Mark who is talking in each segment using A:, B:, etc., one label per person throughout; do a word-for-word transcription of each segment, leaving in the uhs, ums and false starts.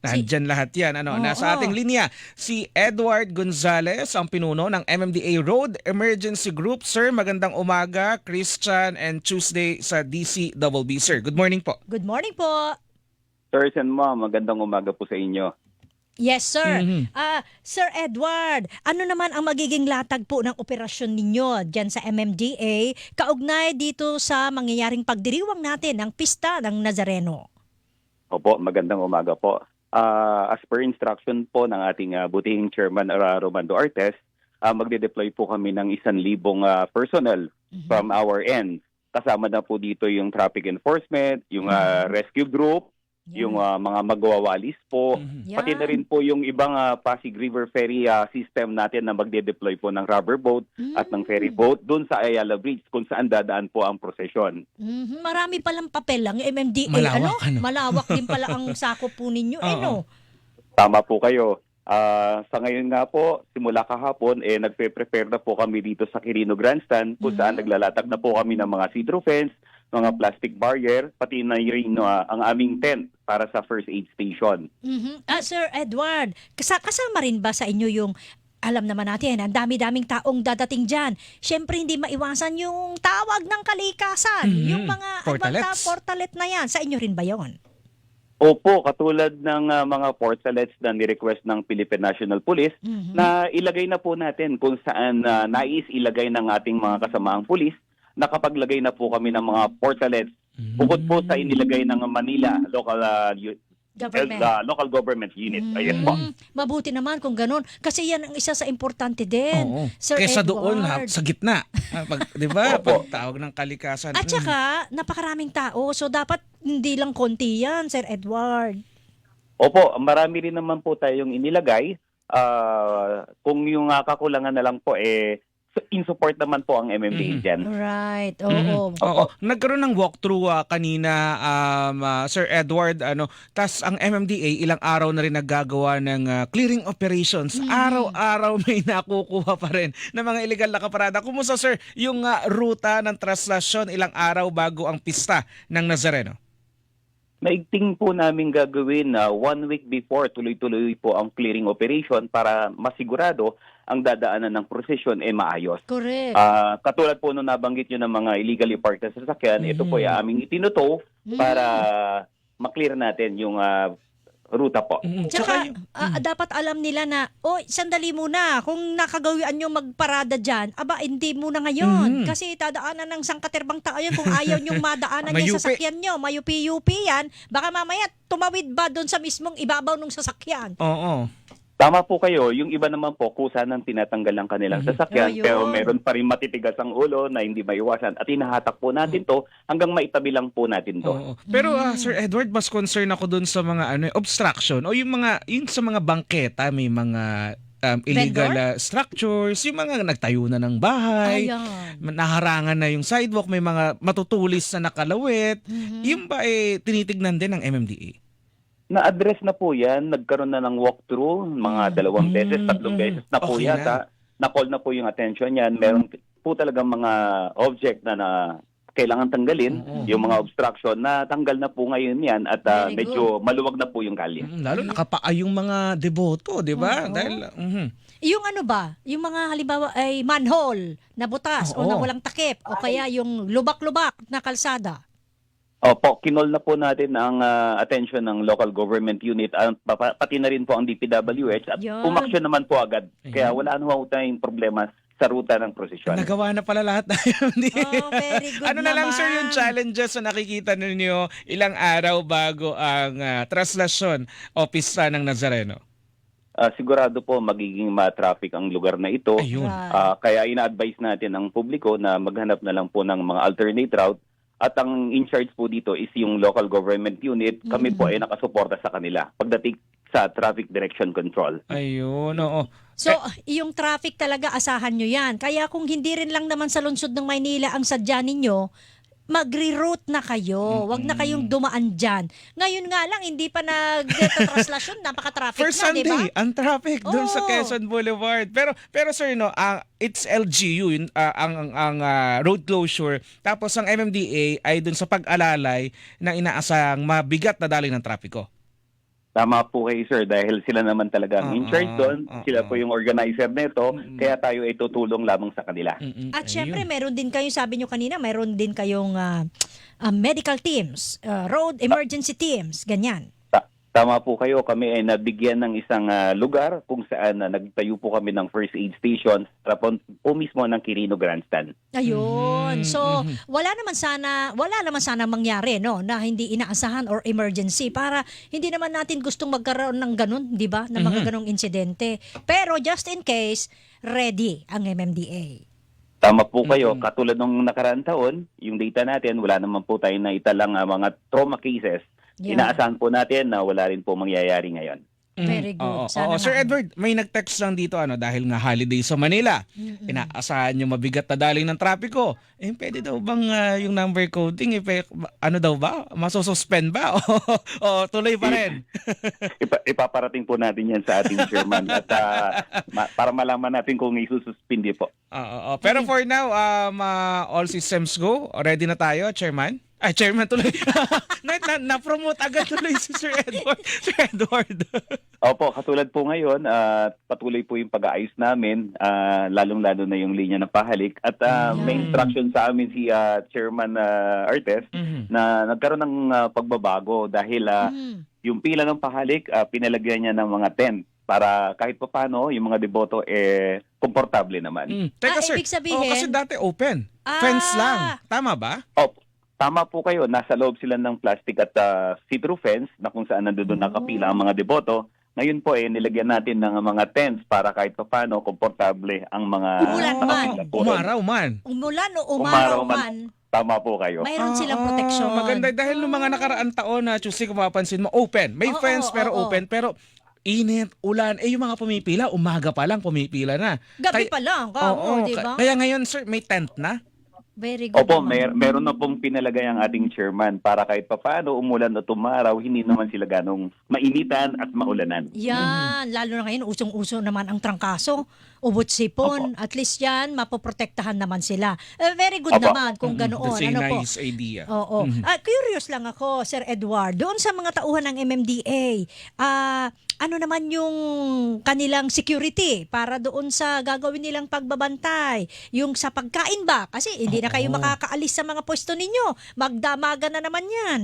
A: Si
B: Nandyan lahat yan. Ano, nasa ating
A: Oo.
B: linya, si Edward Gonzales, ang pinuno ng M M D A Road Emergency Group. Sir, magandang umaga, Christian and Tuesday sa D C B B. Sir, good morning po.
A: Good morning po.
C: Sir and ma'am, magandang umaga po sa inyo.
A: Yes, sir.
B: Mhm.
A: Ah, Sir Edward, ano naman ang magiging latag po ng operasyon ninyo diyan sa M M D A kaugnay dito sa mangyayaring pagdiriwang natin ng Pista ng Nazareno?
C: Opo, magandang umaga po. Ah, as per instruction po ng ating ah, butihing chairman uh, Romando Artes, ah, magde-deploy po kami ng isang libong ah, personnel from our end. Kasama na po dito yung traffic enforcement, yung ah, rescue group, yung ah, mga magwawalis po,
B: Mhm.
A: Yan.
C: pati na rin po yung ibang ah, Pasig River Ferry ah, system natin na magde-deploy po ng rubber boat at ng ferry boat doon sa Ayala Bridge kung saan dadaan po ang prosesyon.
A: Mhm, marami palang papel ang M M D A.
B: Malawak, ano?
A: Malawak din pala ang sakop po ninyo. Eh,
B: Oo.
A: no?
C: Tama po kayo. Ah, sa ngayon nga po, simula kahapon, eh, nagpe-prepare na po kami dito sa Quirino Grandstand kung saan naglalatag na po kami ng mga cedro fence, mga plastic barrier, pati na yung ah, ang aming tent para sa first aid station.
A: Mhm. Ah, Sir Edward, kasa- kasama rin ba sa inyo yung alam naman natin, ang dami-daming taong dadating dyan. Siyempre, hindi maiwasan yung tawag ng kalikasan.
B: Mhm.
A: Yung mga
B: Portalets.
A: advanta portalet na yan. Sa inyo rin ba yon?
C: Opo, katulad ng ah, mga portalets na ni-request ng Philippine National Police,
A: Mhm.
C: na ilagay na po natin kung saan ah, nais ilagay ng ating mga kasamaang pulis. Nakapaglagay na po kami ng mga portalets bukod po sa inilagay ng Manila local ah, u-
A: Government.
C: uh, local government unit. Ayan po.
A: Mm, mabuti naman kung ganun. Kasi yan ang isa sa importante din.
B: Oo.
A: Sir
B: Kesa
A: Edward.
B: doon, ha, sa gitna. Ah, Pag, di ba?
C: Opo.
B: Pag tawag ng kalikasan.
A: At
B: mm.
A: saka, napakaraming tao. So, dapat hindi lang konti yan, Sir Edward.
C: Opo, marami rin naman po tayong inilagay. Ah, kung yung ah, kakulangan na lang po, eh, in support naman po ang M M D A
B: Mhm.
C: dyan.
A: Right.
B: Mhm.
A: Oo.
B: Oo. Nagkaroon ng walkthrough ah, kanina, um, ah, Sir Edward. Ano, tas ang M M D A ilang araw na rin naggagawa ng ah, clearing operations. Araw-araw may nakukuha pa rin ng mga illegal na kaparada. Kumusta, sir, yung ah, ruta ng traslasyon ilang araw bago ang pista ng Nazareno?
C: Naigting po namin gagawin na one week before, tuloy-tuloy po ang clearing operation para masigurado ang dadaanan ng prosesyon ay maayos.
A: Correct.
C: Ah, katulad po nung nabanggit nyo ng mga illegally parked na sasakyan, ito po ay aming itinuto para maklear natin yung ah, ruta po.
B: Mm,
A: Tsaka,
B: yung-
A: ah, dapat alam nila na, oy, sandali muna, kung nakagawian nyo magparada dyan, aba, hindi muna ngayon.
B: Mhm.
A: Kasi tadaanan ng sangkaterbang tao yan kung ayaw nyong madaanan yung
B: Mayupi.
A: sasakyan nyo. Mayupi-yupi yan. Baka mamaya tumawid ba doon sa mismong ibabaw ng sasakyan?
B: Oo.
C: Tama po kayo, yung iba naman po kusa ng tinatanggal ang kanilang sasakyan,
A: Oh, yun.
C: pero meron pa rin matitigas ang ulo na hindi maiwasan at hinahatak po natin to hanggang maitabi lang po natin to.
B: Oo. Pero ah, Sir Edward, mas concern ako dun sa mga ano, obstruction o yung mga yung sa mga bangketa, may mga um, illegal
A: Vendor?
B: ah, structures, yung mga nagtayo na ng bahay,
A: Ayan.
B: naharangan na yung sidewalk, may mga matutulis na nakalawit.
A: Mhm.
B: Yung ba eh tinitignan din ng M M D A?
C: Na-address na po yan, nagkaroon na ng walkthrough, mga dalawang
B: Mm,
C: beses, tatlong
B: mm.
C: beses na po
B: Okay
C: yata. Na-call na po yung attention yan. Meron po talagang mga object na, na kailangan tanggalin,
B: Oo.
C: yung mga obstruction, na tanggal na po ngayon yan at ah,
A: Very
C: medyo maluwag na po yung kalye.
B: Mm, lalo nakapaa yung mga deboto, di ba?
A: Oo.
B: Dahil mhm.
A: Yung ano ba, yung mga halimbawa ay manhole na butas
B: Oo.
A: o na walang takip o kaya yung lubak-lubak na kalsada.
C: Opo, kinol na po natin ang ah, attention ng local government unit at pa- pa- pati na rin po ang D P W H at
A: Yan.
C: umaksyon naman po agad. Kaya
B: Ayan.
C: wala ano tayong problema sa ruta ng prosesyon.
B: Nagawa na pala lahat na yun.
A: Oh, very good
B: Ano na lang, sir, yung
A: naman.
B: challenges na nakikita ninyo ilang araw bago ang ah, traslasyon o pista ng Nazareno?
C: Ah, sigurado po magiging ma-traffic ang lugar na ito.
B: Ayun.
A: Right.
C: Ah, kaya ina-advise natin ang publiko na maghanap na lang po ng mga alternate route. At ang in charge po dito is yung local government unit. Kami po ay nakasuporta sa kanila pagdating sa traffic direction control.
B: Ayun, oo.
A: So, yung traffic talaga, asahan nyo yan. Kaya kung hindi rin lang naman sa lungsod ng Maynila ang sadya ninyo, magre-route na kayo. Huwag na kayong dumaan dyan. Ngayon nga lang, hindi pa nag-traslasyon, napaka-traffic
B: First
A: na, di ba?
B: Sunday, ang traffic doon sa
A: Oo.
B: Quezon Boulevard. Pero pero sir, no, ang it's L G U yun, ah, ang ang, ang, ah, road closure. Tapos ang M M D A ay doon sa pag-alalay na inaasahang mabigat na daloy ng trapiko.
C: Tama po kayo, sir, dahil sila naman talaga ang in charge
B: Oo,
C: doon.
B: oo.
C: Sila po yung organizer nito,
B: Mm-mm.
C: kaya tayo ay tutulong lamang sa kanila.
B: Mm-mm.
A: At
B: Ayun.
A: syempre, meron din kayo, sabi nyo kanina, meron din kayong ah, ah, medical teams, ah, road emergency teams, ganyan.
C: Ta- Tama po kayo, kami ay nabigyan ng isang ah, lugar kung saan na nagtayo po kami ng first aid station sa po, po mismo ng Quirino Grandstand.
A: Ayun.
B: Mhm,
A: So,
B: mhm.
A: wala naman sana, wala naman sana mangyari, no, na hindi inaasahan or emergency para hindi naman natin gustong magkaroon ng ganun, 'di ba? Na mga
B: Mhm.
A: ganung insidente. Pero just in case, ready ang M M D A.
C: Tama po kayo,
B: Mhm.
C: katulad nung nakaraang taon, yung data natin, wala naman po tayo na italang ah, mga trauma cases.
A: Yeah.
C: Inaasahan po natin na wala rin po mangyayari ngayon.
B: Mhm.
A: Very good.
B: Oo,
A: Sana
B: oo. Sir
A: nga.
B: Edward, may nag-text lang dito ano dahil nga holiday sa Manila.
A: Mm-mm.
B: Inaasahan yung mabigat na daling ng trapiko. Eh, pwede daw bang ah, yung number coding, eh, pe- ano daw ba? Masususpend ba? O, o tuloy pa rin?
C: Ipa- ipaparating po natin yan sa ating chairman at ah, ma- para malaman natin kung isususpindi po.
B: Oo, oo. Pero for now, um, ah, all systems go. Ready na tayo, Chairman? Ay, Chairman tuloy. na, na, na-promote agad tuloy si Sir Edward. Sir Edward.
C: Opo, katulad po ngayon, ah, patuloy po yung pag-aayos namin, ah, lalong-lalo na yung linya ng pahalik. At ah,
A: Mm.
C: may instruction sa amin si ah, Chairman ah, Artes
B: Mhm.
C: na nagkaroon ng ah, pagbabago dahil ah,
A: Mm.
C: yung pila ng pahalik, ah, pinalagyan niya ng mga tent para kahit pa paano yung mga deboto eh komportable naman.
B: Mm. Teka,
A: Ah,
B: sir.
A: ibig sabihin-
B: Oh, kasi dati open.
A: Ah.
B: Fence lang. Tama ba?
C: Opo. Tama po kayo, nasa loob sila ng plastic at ah, see-through fence na kung saan nandoon
A: Oh.
C: nakapila ang mga deboto. Ngayon po eh nilagyan natin ng mga tents para kahit pa paano komportable ang mga
A: Umulan man.
C: nakapila po ron.
B: Umaraw man.
A: Umulan o
C: Umaraw
A: umaraw
C: man.
A: man,
C: Tama po kayo.
A: mayroon silang
B: Ah,
A: proteksyon.
B: Maganda dahil nung mga nakaraan taon na Tuesday kung mapapansin mo, open. May
A: Oo,
B: fence
A: oo,
B: pero
A: oo.
B: open. Pero init, ulan. Eh yung mga pumipila, umaga pa lang pumipila na.
A: Gabi
B: Kay-
A: pa lang, ka,
B: Oo,
A: di ba?
B: ka- Kaya ngayon, sir, may tent na.
A: Very good.
C: Opo,
A: naman.
C: mer meron na pong pinalagay ang ating chairman para kahit pa paano umulan o tumaraw, hindi naman sila ganong mainitan at maulanan.
A: Yan, lalo na ngayon, usong-uso naman ang trangkaso, ubot sipon, at least yan, mapoprotektahan naman sila. Eh, very good
C: Opo.
A: naman kung ganoon.
B: That's a
A: Ano po?
B: nice idea.
A: Oo.
B: Mhm.
A: Ah, curious lang ako, Sir Edward, doon sa mga tauhan ng M M D A, ah, ano naman yung kanilang security para doon sa gagawin nilang pagbabantay? Yung sa pagkain ba? Kasi hindi na kayo
B: Oo.
A: makakaalis sa mga pwesto ninyo. Magdamagan na naman yan.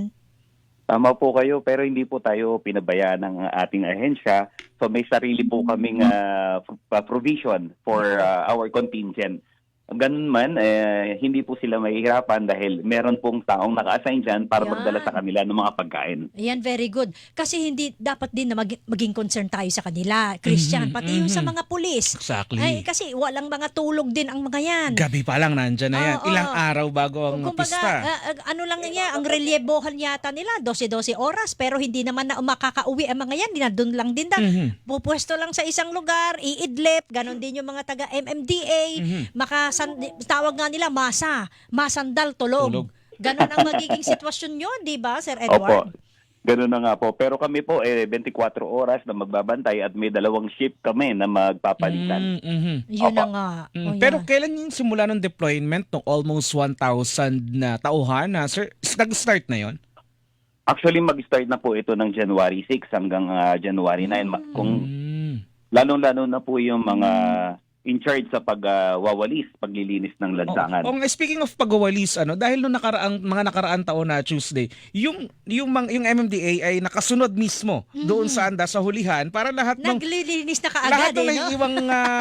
C: Tama po kayo, pero hindi po tayo pinabayaan ng ating ahensya. So may sarili po kaming ah, f- provision for ah, our contingent. Ganun man, eh, hindi po sila mahihirapan dahil meron pong taong naka-assign dyan para
A: Yan.
C: magdala sa kanila ng mga pagkain.
A: Ayan, very good. Kasi hindi dapat din na mag- maging concern tayo sa kanila, Christian,
B: Mhm,
A: pati yung sa
B: mhm.
A: mga pulis.
B: Exactly.
A: Ay, kasi walang mga tulog din ang mga yan.
B: Gabi pa lang nandyan na yan.
A: Oo.
B: Ilang araw bago ang
A: Kumbaga,
B: pista.
A: ah, ah, ano lang niya, ang relyebohan yata nila, twelve oras, pero hindi naman na makakauwi ang mga yan, dinadun lang din daw.
B: Mhm.
A: Pupwesto lang sa isang lugar, iidlip, ganon din yung mga taga M M D A,
B: Mhm.
A: makasan, tawag nga nila masa, masandal tulog.
B: Tulog.
A: Ganon ang magiging sitwasyon nyo, di ba, Sir
C: Opo,
A: Edward?
C: ganun na nga po. Pero kami po, eh, twenty-four oras na magbabantay at may dalawang shift kami na magpapalitan.
B: Mm, mhm.
A: Yun
C: Opo.
A: na nga.
B: Mm,
A: O,
B: Pero
A: yan.
B: kailan yung simula ng deployment ng almost one thousand na tauhan na sir? Nag-start na yon?
C: Actually, mag-start na po ito ng January six hanggang ah, January nine. Ma- Kung
B: Mm.
C: lalong-lalo na po yung mga in charge sa pagwawalis, paglilinis ng lansangan.
B: Oh, oh, speaking of pagwawalis, ano, dahil nung nakaraang mga nakaraang taon na Tuesday, yung yung mang, yung M M D A ay nakasunod mismo doon sa anda sa hulihan para lahat ng
A: Naglilinis na
B: lahat
A: kaagad
B: ng
A: eh, no?
B: naiiwang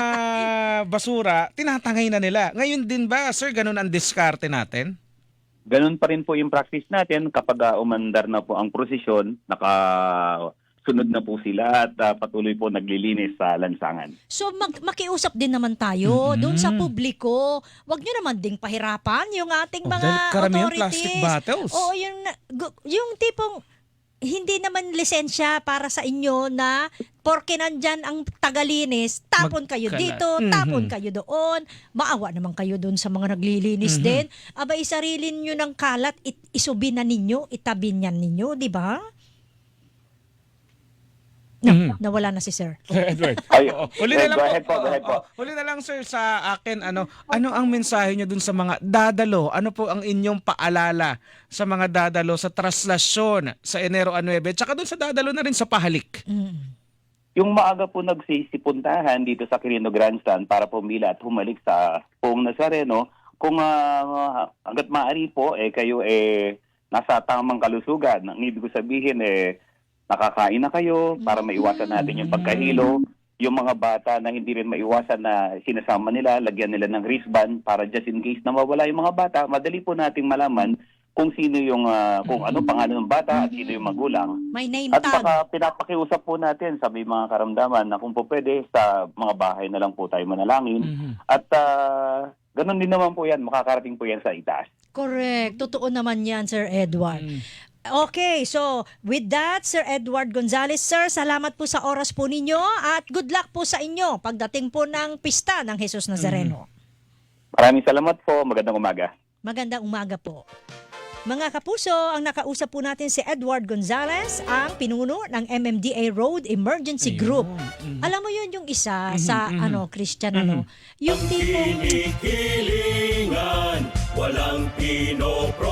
B: ah, basura tinatangay na nila. Ngayon din ba, sir, ganun ang diskarte natin?
C: Ganun pa rin po yung practice natin kapag ah, umandar na po ang prosesyon, naka sunod na po sila at ah, patuloy po naglilinis sa lansangan.
A: So mag- makiusap din naman tayo
B: Mhm.
A: doon sa publiko. Huwag nyo naman ding pahirapan yung ating
B: Oh,
A: mga
B: dahil karamihan
A: authorities.
B: plastic bottles.
A: Oo, yung, na- gu- yung tipong hindi naman lisensya para sa inyo na porke nandyan ang tagalinis, tapon kayo
B: Magkalat.
A: dito,
B: Mhm.
A: tapon kayo doon. Maawa naman kayo doon sa mga naglilinis
B: Mhm.
A: din. Abay, sarili nyo ng kalat, it- isubi na ninyo, itabi niyan ninyo, di ba? No,
B: Mhm.
A: nawala na si Sir.
B: Sir Edward.
C: Ay,
B: Oo. Huli
C: eh,
B: na lang
C: go ahead po,
B: Oo,
C: go ahead po.
B: oo. Huli na lang sir sa akin ano, ano ang mensahe niyo dun sa mga dadalo? Ano po ang inyong paalala sa mga dadalo sa traslasyon sa Enero nueve tsaka dun sa dadalo na rin sa pahalik?
A: Mm.
C: Yung maaga po nagsisipuntahan dito sa Quirino Grandstand para pumila at humalik sa Poong Nazareno, kung ah, hanggat maaari po, eh, kayo eh, nasa tamang kalusugan. Ang ibig ko sabihin, eh, nakakain na kayo para maiwasan natin yung pagkahilo. Yung mga bata na hindi rin maiwasan na sinasama nila, lagyan nila ng wristband para just in case na mawala yung mga bata, madali po nating malaman kung sino yung, ah, kung ano pangalan ng bata at sino yung magulang.
A: May name
C: At
A: tag.
C: saka pinapakiusap po natin sa may mga karamdaman na kung po pwede sa mga bahay na lang po tayo manalangin.
B: Mhm.
C: At ah, ganun din naman po yan, makakarating po yan sa itaas.
A: Correct. Totoo naman yan, Sir Edward.
B: Mm.
A: Okay, so with that, Sir Edward Gonzales, Sir, salamat po sa oras po ninyo at good luck po sa inyo pagdating po ng pista ng Jesus Nazareno.
C: Maraming salamat po. Magandang umaga.
A: Magandang umaga po. Mga kapuso, ang nakausap po natin si Edward Gonzales, ang pinuno ng M M D A Road Emergency Group.
B: Mhm.
A: Alam mo yun yung isa
B: Mhm,
A: sa
B: mhm.
A: ano Christian ano, yung tipong
D: Kinikilingan, walang pinopro